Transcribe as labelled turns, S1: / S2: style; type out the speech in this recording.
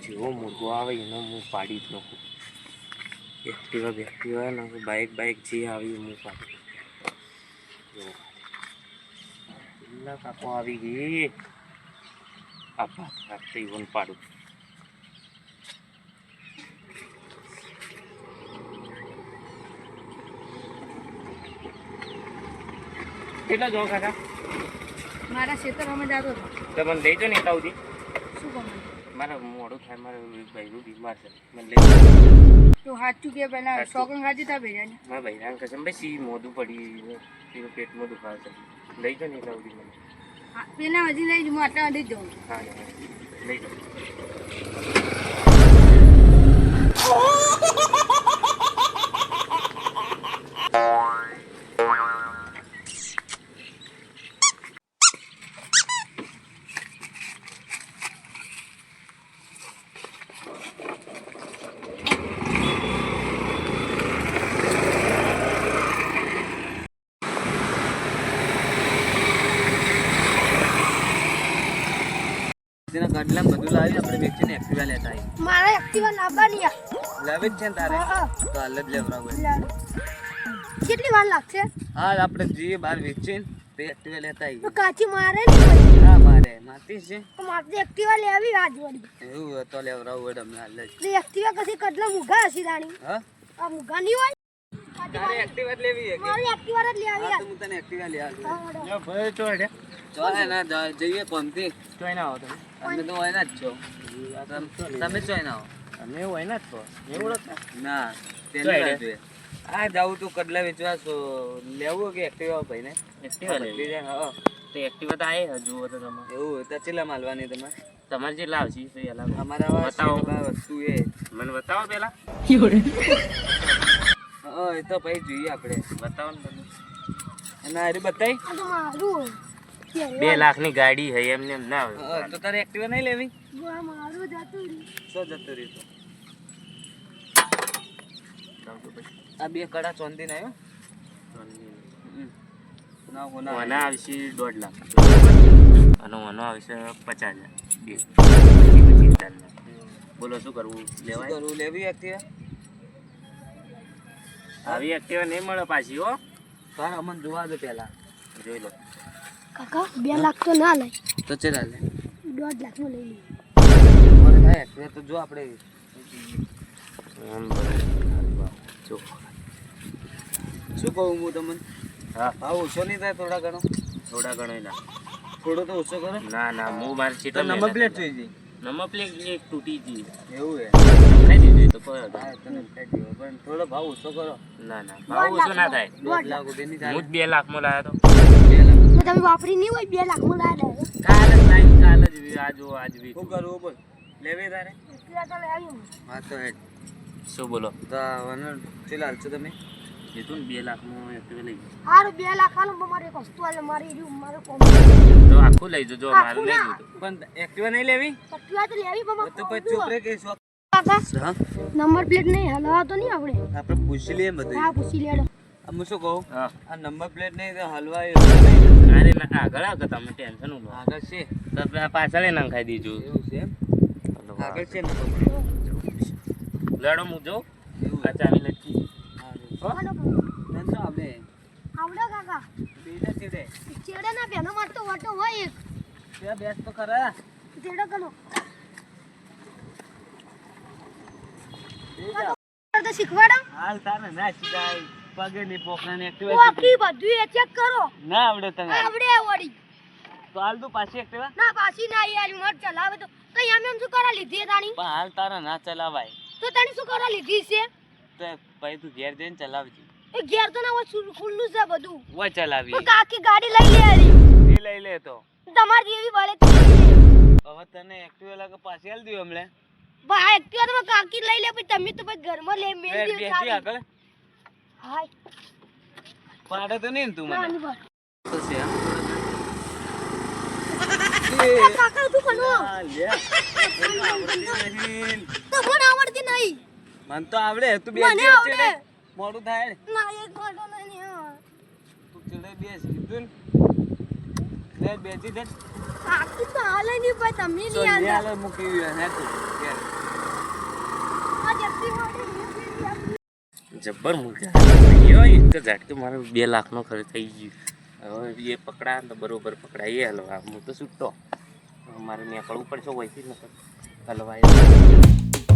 S1: જેવો મુર્ગો આવે એનો હું પાડી જ નાખું. એક્ટિવા ને બાઇક જે આવી હું પાડી પેલા કાકો આવી ગઈ. આપા ઇવન પાડું. કેટલા જો કાકા
S2: મારા ખેતરમાં જાતો
S1: તો મને લઈ જો ને તાવથી.
S2: શું કહું
S1: મારે મોડું થાય, મારે ભાઈનું બીમાર છે, મને લઈ
S2: તો સાચું કે પેલા શોખન ખાધી તા ભેજાની
S1: મારા ભાઈરાને કસમ ભાઈ મોઢું પડી પેલું પેટમાં દુખાવે છે. લઈ જો ને તાવથી મને.
S2: પેલા હજી લઈ હું આટલા સુધી જ જાઉં.
S1: હા લઈ જાઓ. ગડલા બધું લાવી આપણે વેચીને એક્ટિવા લેતા આવી.
S2: મારા એક્ટિવા લાવવાની
S1: લાવી જ છે ને તારે? તો હાલ જ લેવડાવું.
S2: કેટલી વાર લાગશે?
S1: હા આપણે જઈએ બહાર વેચીને તે એક્ટિવા લેતા આવી.
S2: કાચી મારે નહીં.
S1: હા મારે માતી છે.
S2: મારે એક્ટિવા લેવી આજ વળી.
S1: એવું તો લેવડાવું તમને હાલ જ.
S2: એક્ટિવા કદી કડલા મુગા હસી રાણી.
S1: હા
S2: આ મુગા નહીં હોય.
S1: તારે એક્ટિવા લેવી છે કે?
S2: મારી એક્ટિવા જ લેવી
S1: હા તો હું તને એક્ટિવા લઈ આવું.
S2: યો
S1: ભાઈ ચોડે ચોય ના જઈએ કોમથી. ચોય ના આવો તમે? અમે તો હોય ના જ છો. તમે ચોય ના આવો? અમે હોય ના જ છો. એવું ના પેલી વાત છે. આ જાવું તું કડલા વેચવા છો લેવું કે એક્ટિવા ભાઈને? એક્ટિવા લેવી છે. હા તો એક્ટિવા તો આય જુઓ તો તમે. એવું તો ચેલા માલવાની તમારે? તમારે જે લાવશી તો એલા અમારા બતાવો વસ્તુ એ મને બતાવો પેલા. હા એ તો ભાઈ જોઈએ આપણે. બતાવો ને તમે. અને અરે બતાઈ.
S2: આ તો મારું
S1: 2 લાખની ગાડી હે એમને એમ ના આવે તો તારે એક્ટિવા નહીં લેવી?
S2: મારું જતું રહ્યું.
S1: શું જતું રહ્યું? આ 2 કડા ચોંદી ના આવ્યો ના આવશે 1.5 લાખ અને ઓનો આવશે 50,000. બોલો શું કરવું? લેવાય? કરવું લેવી એક્ટિવા? આવી એક્ટિવા નહીં મળે પાછી હો. તારે અમને જોવા દો પેલા. જોઈ લો
S2: કાકા 2 લાખ તો ના લે.
S1: તો ચેલા લે?
S2: 1.5 લાખમાં લઈ લે.
S1: મને થાય એક્ટિવા તો જો આપણે જો શું કહું હું તમને? હા ભાવ ઓછો નહીં થાય? થોડા ઘણો ના. થોડો તો ઓછો કરો. ના હું મારે સીટ નંબર પ્લેટ જોઈ જઈ. નંબર પ્લેટ એક તૂટી ગઈ. એવું હે? ખાઈ દીધી તો કોઈ તને ખાઈ દીધો પણ થોડો ભાવ ઓછો કરો. ના ભાવ ઓછો ના થાય. 1.5 લાખ રૂપિયાની થાય. હું 2 લાખમાં લાવ્યો તો. 2 લાખ
S2: તમે વાપરી નહીં હોય 2 લાખમાં લાવ્યા.
S1: કાલ જ લાવી કાલ જ આજ વી શું કરવું બોલ? લેવી તારે?
S2: એક્ટિવા તો લેવી.
S1: હા તો હેડ શું બોલો? તો વન ચેલા હાલશો તમે? કીધું ને 2 લાખમાં એક્ટિવા લઈ જાઓ.
S2: હારું 2 લાખ હાલો મારે એક વસ્તુ આલે મારી રૂમ મારો કોમ
S1: તો આખું લઈ જજો મારું લઈ જજો. પણ એક્ટિવા નહીં લેવી?
S2: એક્ટિવા તો લેવી પણ
S1: તો પછી ચૂપ રે કે શોખ.
S2: કાકા
S1: હા
S2: નંબર પ્લેટ નહીં હલવા તો નહીં
S1: આપણે પૂછી લઈએ બધું.
S2: હા પૂછી લેડો.
S1: હું શું કહું? આ નંબર પ્લેટ નહીં તો હલવાય. અરે ના આગળ આગળ તમે ટેન્શન નો લો. આગળ છે તો પાછળ નંખાઈ દીજો. એવું છે એમ? આગળ છે ને લેડો હું જો આ ચાવી લટકી.
S2: આવડો
S1: આપણે
S2: કાકા
S1: બેજા ચેડે
S2: ચેડે ના પેનો મારતો વાટો હોય એક
S1: ત્યાં બેસ તો ખરા.
S2: ચેડો કનો તો શીખવાડો.
S1: હાલ તારે ના શીખાય. પગે ની પોખરા ને
S2: ઓકી બધું એ ચેક કરો.
S1: ના આવડે તને?
S2: આવડે વળી.
S1: તો હાલ તું પાછી એક્ટિવા?
S2: ના પાછી ના યાર મત ચલાવે તો એમ શું કરા લીધી તાણી?
S1: પણ હાલ તારા ના ચલાવાય.
S2: તો તાણી શું કરા લીધી છે?
S1: તો ભાઈ તું ઘેર જઈને ચલાવજે.
S2: એ ઘેર તો ના ખુલ્લું છે બધું.
S1: વો ચલાવી.
S2: કાકી ગાડી લઈ લે આરી.
S1: એ લઈ લે તો
S2: તમારી જેવી વળે તો
S1: હવે તને એક્ટિવા લાગે પાછી હાલ દઉં હમણે.
S2: ભાઈ એક્ટિવા તો કાકી લઈ લે પછી તમે તો પછી ઘરમાં લે મેલ દે
S1: બેસી આગળ.
S2: હાય
S1: પાડે તો નહીં તું મને. તો છે
S2: કાકા તું કનો
S1: લે
S2: તો મને આવડતી નહીં.
S1: મને તો આવડે. તું
S2: મને
S1: બેસી
S2: આવડે.
S1: મોડું થાય.
S2: ના એક મોટો નહીં.
S1: તું ચડે બેસ કીધું ને બેસી દે.
S2: કાકી તો હાલે નહીં ભાઈ તમે નહીં
S1: તો
S2: આંદા
S1: લે મૂકી ને તું
S2: આ જલ્દી મોડે
S3: જબ્બર મૂર્ખા યો એક જ ઝાટકે મારે 2 લાખનો ખર્ચ થઈ ગયો હવે એ પકડા તો બરોબર પકડાઈએ હલવા હું તો છૂટતો મારે નીકળવું પડશે વહીથી નકર હલવાય